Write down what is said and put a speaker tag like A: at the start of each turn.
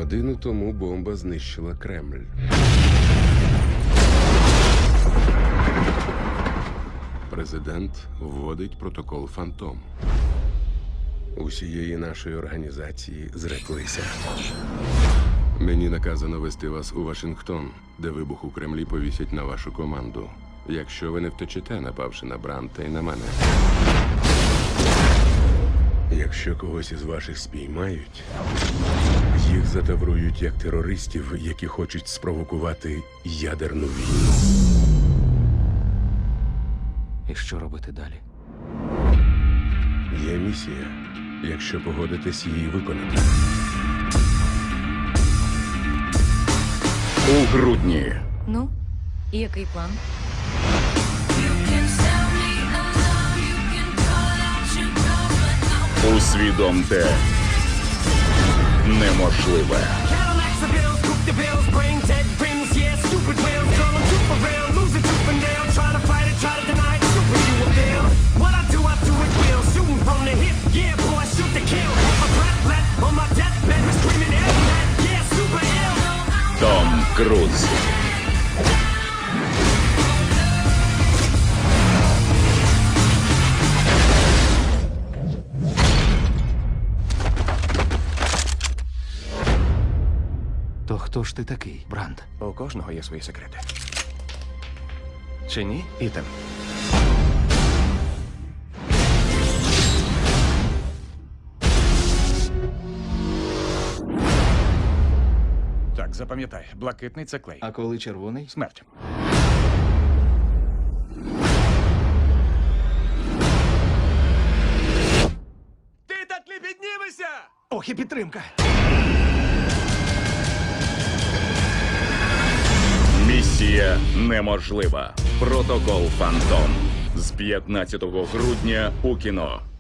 A: Годину тому бомба знищила Кремль. Президент вводить протокол «Фантом». Усієї нашої організації зреклися. Мені наказано вести вас у Вашингтон, де вибух у Кремлі повісять на вашу команду. Якщо ви не втечете, напавши на Бранта і на мене. Якщо когось із ваших спіймають, їх затаврують як терористів, які хочуть спровокувати ядерну війну.
B: І що робити далі?
A: Є місія, якщо погодитесь її виконати.
C: У грудні.
D: Ну, і який план?
C: Усвідомте неможливе. Том Круз.
B: То хто ж ти такий, Бранд?
E: У кожного є свої секрети. Чи ні, Ітан? Так, запам'ятай, блакитний це клей.
B: А коли червоний?
E: Смерть. Ти так не піднімешся!
B: Ох, і підтримка!
C: Місія неможлива. Протокол «Фантом» з 15 грудня у кіно.